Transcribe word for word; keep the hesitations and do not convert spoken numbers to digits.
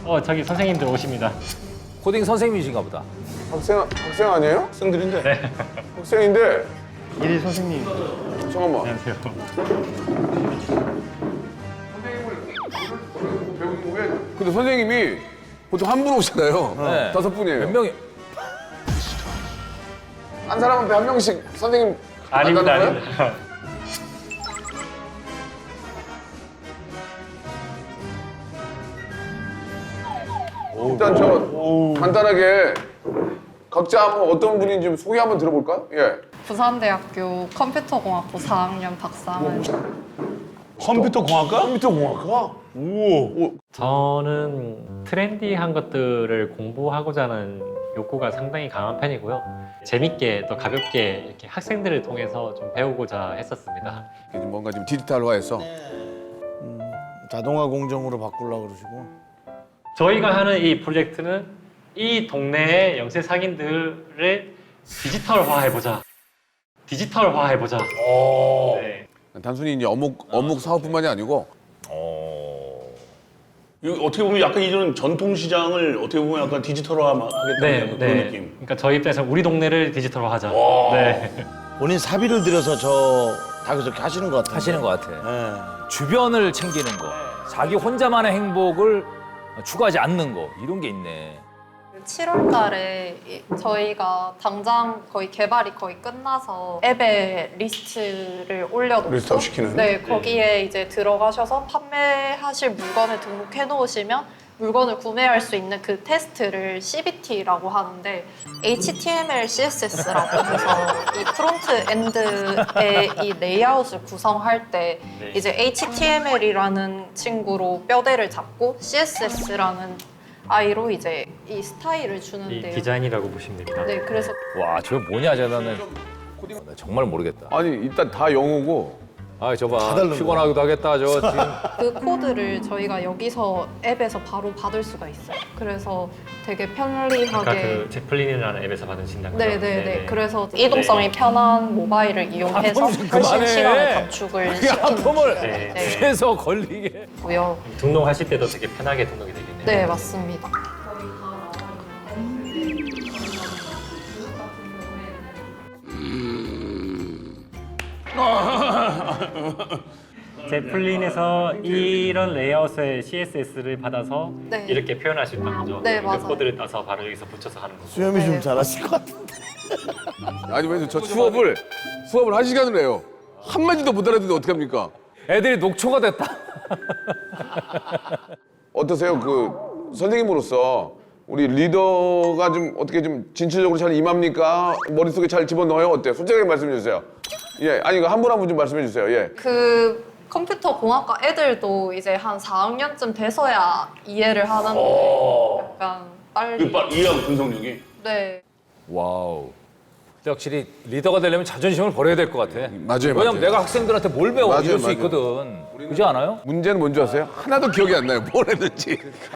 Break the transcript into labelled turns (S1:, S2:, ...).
S1: 어, 저기 선생님들 오십니다.
S2: 코딩 선생님이신가 보다.
S3: 학생 학생 아니에요?
S4: 학생들인데.
S1: 네.
S3: 학생인데
S1: 이리 선생님.
S3: 잠깐만.
S1: 안녕하세요.
S3: 근데 선생님이 보통 한 분 오시잖아요.
S2: 네.
S3: 다섯 분이에요.
S2: 몇 명이?
S3: 한 사람한테 한 명씩 선생님
S1: 아닙니다,
S3: 만나는 거예요?
S1: 아닙니다.
S3: 일단 저 간단하게 각자 한번 어떤 분인지 좀 소개 한번 들어볼까요? 예.
S5: 부산대학교 컴퓨터공학부 사 학년 박상은.
S4: 컴퓨터 공학과?
S3: 컴퓨터 공학과?
S4: 오.
S1: 저는 트렌디한 것들을 공부하고자 하는 욕구가 상당히 강한 편이고요. 재밌게 또 가볍게 이렇게 학생들을 통해서 좀 배우고자 했었습니다.
S3: 이게 좀 뭔가 좀 디지털화해서
S4: 자동화 공정으로 바꾸려고 그러시고.
S1: 저희가 하는 이 프로젝트는 이 동네의 영세 상인들을 디지털화해보자. 디지털화해보자. 네.
S3: 단순히 이제 어묵 어묵 사업뿐만이 아니고
S4: 이거 어떻게 보면 약간 이런 전통 시장을 어떻게 보면 약간 디지털화하겠다는
S1: 네,
S4: 약간 그런
S1: 네.
S4: 느낌.
S1: 그러니까 저희 입장에서 우리 동네를 디지털화하자. 네.
S6: 본인 사비를 들여서 저 다 그렇게 하시는 것 같아요.
S2: 하시는 것 같아.
S6: 네.
S2: 주변을 챙기는 거, 자기 혼자만의 행복을 추구하지 않는 거 이런 게 있네.
S5: 칠월 달에 저희가 당장 거의 개발이 거의 끝나서 앱에 리스트를 올려놓고
S4: 리스트업 시키는?
S5: 네, 거기에 이제 들어가셔서 판매하실 물건을 등록해 놓으시면 물건을 구매할 수 있는 그 테스트를 씨비티라고 하는데 에이치티엠엘, 씨에스에스라고 해서 이 프론트 엔드의 이 레이아웃을 구성할 때
S1: 네.
S5: 이제 에이치티엠엘이라는 친구로 뼈대를 잡고 씨에스에스라는 아이로 이제 이 스타일을
S1: 이
S5: 주는데요.
S1: 디자인이라고 보시면 됩니다.
S5: 네, 그래서
S2: 와, 저 뭐냐, 저는. 나 정말 모르겠다.
S3: 아니 일단 다 영어고
S2: 아, 저봐.
S6: 다른
S2: 피곤하기도 하겠다, 저 지금.
S5: 그 코드를 저희가 여기서 앱에서 바로 받을 수가 있어요. 그래서 되게
S1: 아까
S5: 편리하게
S1: 그 제플린이라는 앱에서 받으신다고요?
S5: 네네네. 그래서 이동성이 편한 모바일을 이용해서
S2: 좀
S5: 훨씬
S2: 그만해.
S5: 시간을 단축을
S2: 그 아픔을
S1: 네.
S5: 네.
S2: 해서 걸리게.
S5: 시키고요.
S1: 등록하실 때도 되게 편하게 등록이 되겠네요.
S5: 네, 맞습니다.
S1: 제플린에서 이런 레이아웃의 씨에스에스를 받아서
S5: 네.
S1: 이렇게 표현할 수 있다는 거죠.
S5: 네,
S1: 그
S5: 맞아요.
S1: 코드를 따서 바로 여기서 붙여서 하는 거고.
S6: 수염이
S5: 네.
S6: 좀 잘하실 것 같은데.
S3: 아니 왜저 수업을 수업을 한 시간을 해요. 한 마디도 못 알아듣는데 어떡합니까?
S2: 애들이 녹초가 됐다.
S3: 어떠세요? 그 선생님으로서 우리 리더가 좀 어떻게 좀 진취적으로 잘 임합니까? 머릿속에 잘 집어넣어요? 어때요? 솔직하게 말씀해 주세요. 예, 아니 한 분 한 분 좀 말씀해 주세요. 예.
S5: 그 컴퓨터 공학과 애들도 이제 한 사 학년쯤 돼서야 이해를 하는데 약간 빨리.
S4: 그 이해하고 분석력이.
S5: 네.
S2: 와우. 근데 확실히 리더가 되려면 자존심을 버려야 될 것 같아.
S3: 맞아요,
S2: 왜냐면
S3: 맞아요.
S2: 내가 학생들한테 뭘 배워
S3: 맞아요,
S2: 이럴 수
S3: 맞아요.
S2: 있거든. 그렇지 않아요?
S3: 문제는 뭔지 아세요? 하나도 기억이 안 나요. 뭘 했는지.